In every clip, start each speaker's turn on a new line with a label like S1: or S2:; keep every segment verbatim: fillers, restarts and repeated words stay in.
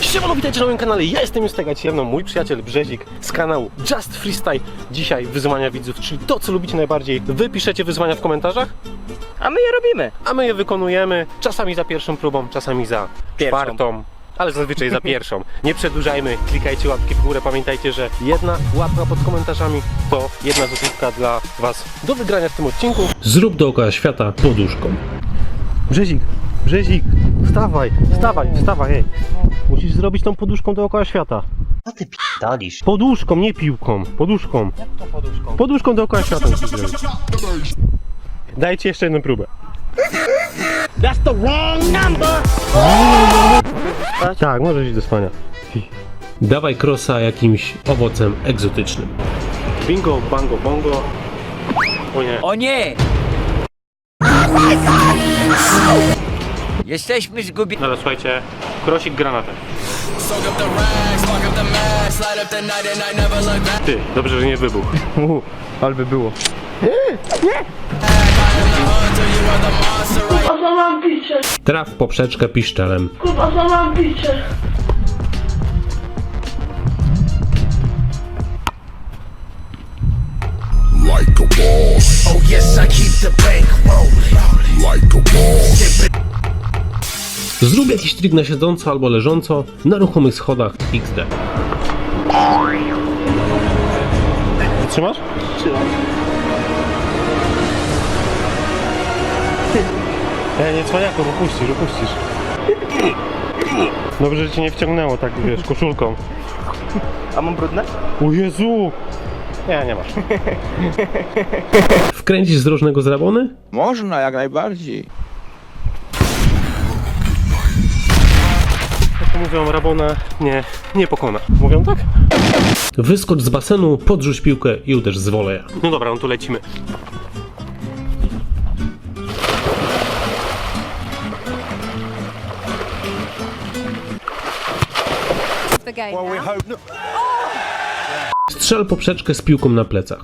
S1: Siemano, witajcie na moim kanale, ja jestem Justega, dzisiaj mną mój przyjaciel Brzezik z kanału Just Freestyle. Dzisiaj wyzwania widzów, czyli to, co lubicie najbardziej. Wy piszecie wyzwania w komentarzach,
S2: a my je robimy.
S1: a my je wykonujemy, czasami za pierwszą próbą, czasami za
S2: Pierwszą.
S1: czwartą, ale zazwyczaj za pierwszą. Nie przedłużajmy, klikajcie łapki w górę, pamiętajcie, że jedna łapka pod komentarzami to jedna złotówka dla was do wygrania w tym odcinku. Zrób dookoła świata poduszką. Brzezik, Brzezik, wstawaj, wstawaj, wstawaj, hej. Musisz zrobić tą poduszką dookoła świata.
S2: Co ty p***dalisz?
S1: Poduszką, nie piłką, poduszką.
S2: Jak to poduszką?
S1: Poduszką dookoła świata musisz zrobić. Dajcie jeszcze jedną próbę.
S2: That's the wrong number!
S1: Tak, możesz iść do spania. Dawaj crossa jakimś owocem egzotycznym. Bingo, bango, bongo. O nie.
S2: O nie! Jesteśmy zgubieni.
S1: Ale słuchajcie, krosik granatem. Ty, dobrze, że nie wybuchł.
S3: Uuu, ale by było.
S4: Kurwa, co mam bicie?
S1: Traf poprzeczkę piszczelem.
S4: Kurwa, co mam bicie?
S5: Like a boss. Oh yes, I keep the bank rolling. Like a boss.
S1: Zrób jakiś trik na siedząco albo leżąco na ruchomych schodach iks de. Trzymasz?
S2: Trzymam.
S1: E, nie cwaniaku, upuścisz, upuścisz. Dobrze, że cię nie wciągnęło tak, wiesz, koszulką.
S2: A mam brudne?
S1: O Jezu! Nie, nie masz. Wkręcisz z różnego z rabony?
S3: Można, jak najbardziej.
S1: Jak to mówią, rabona nie, nie pokona. Mówią tak? Wyskocz z basenu, podrzuć piłkę i uderz z woleja. No dobra, no tu lecimy.
S6: The game now.
S1: Strzel poprzeczkę z piłką na plecach.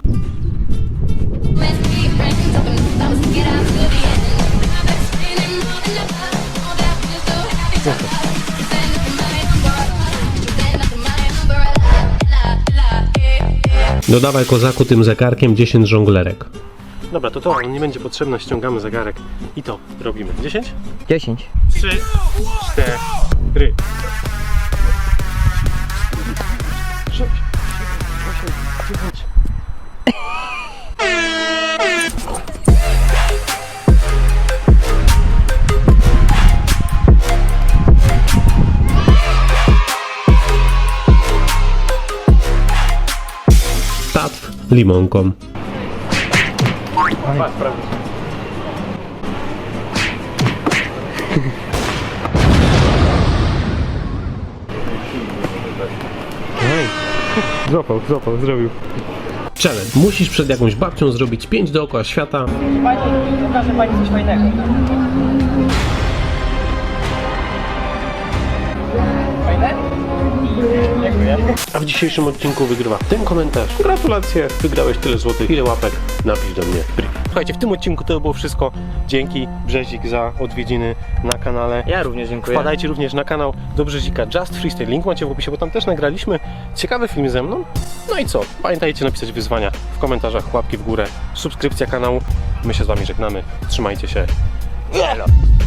S1: Dodawaj kozaku tym zegarkiem dziesięć żonglerek. Dobra, to to, on nie będzie potrzebne, ściągamy zegarek i to robimy. dziesięć?
S2: dziesięć.
S1: trzy, cztery. sześć, osiem, dziewięć. Tatw limonką. Złapał, złapał, zrobił. Challenge. Musisz przed jakąś babcią zrobić pięć dookoła świata.
S2: Pani, pokażę pani coś fajnego. Fajne? Dziękuję.
S1: A w dzisiejszym odcinku wygrywa ten komentarz. Gratulacje, wygrałeś tyle złotych, ile łapek, napisz do mnie brief. Słuchajcie, w tym odcinku to było wszystko. Dzięki Brzezik za odwiedziny na kanale.
S2: Ja również dziękuję.
S1: Wpadajcie również na kanał do Brzezika Just Freestyle. Link macie w opisie, bo tam też nagraliśmy ciekawy film ze mną. No i co? Pamiętajcie napisać wyzwania w komentarzach, łapki w górę, subskrypcja kanału. My się z wami żegnamy. Trzymajcie się.
S2: Elo.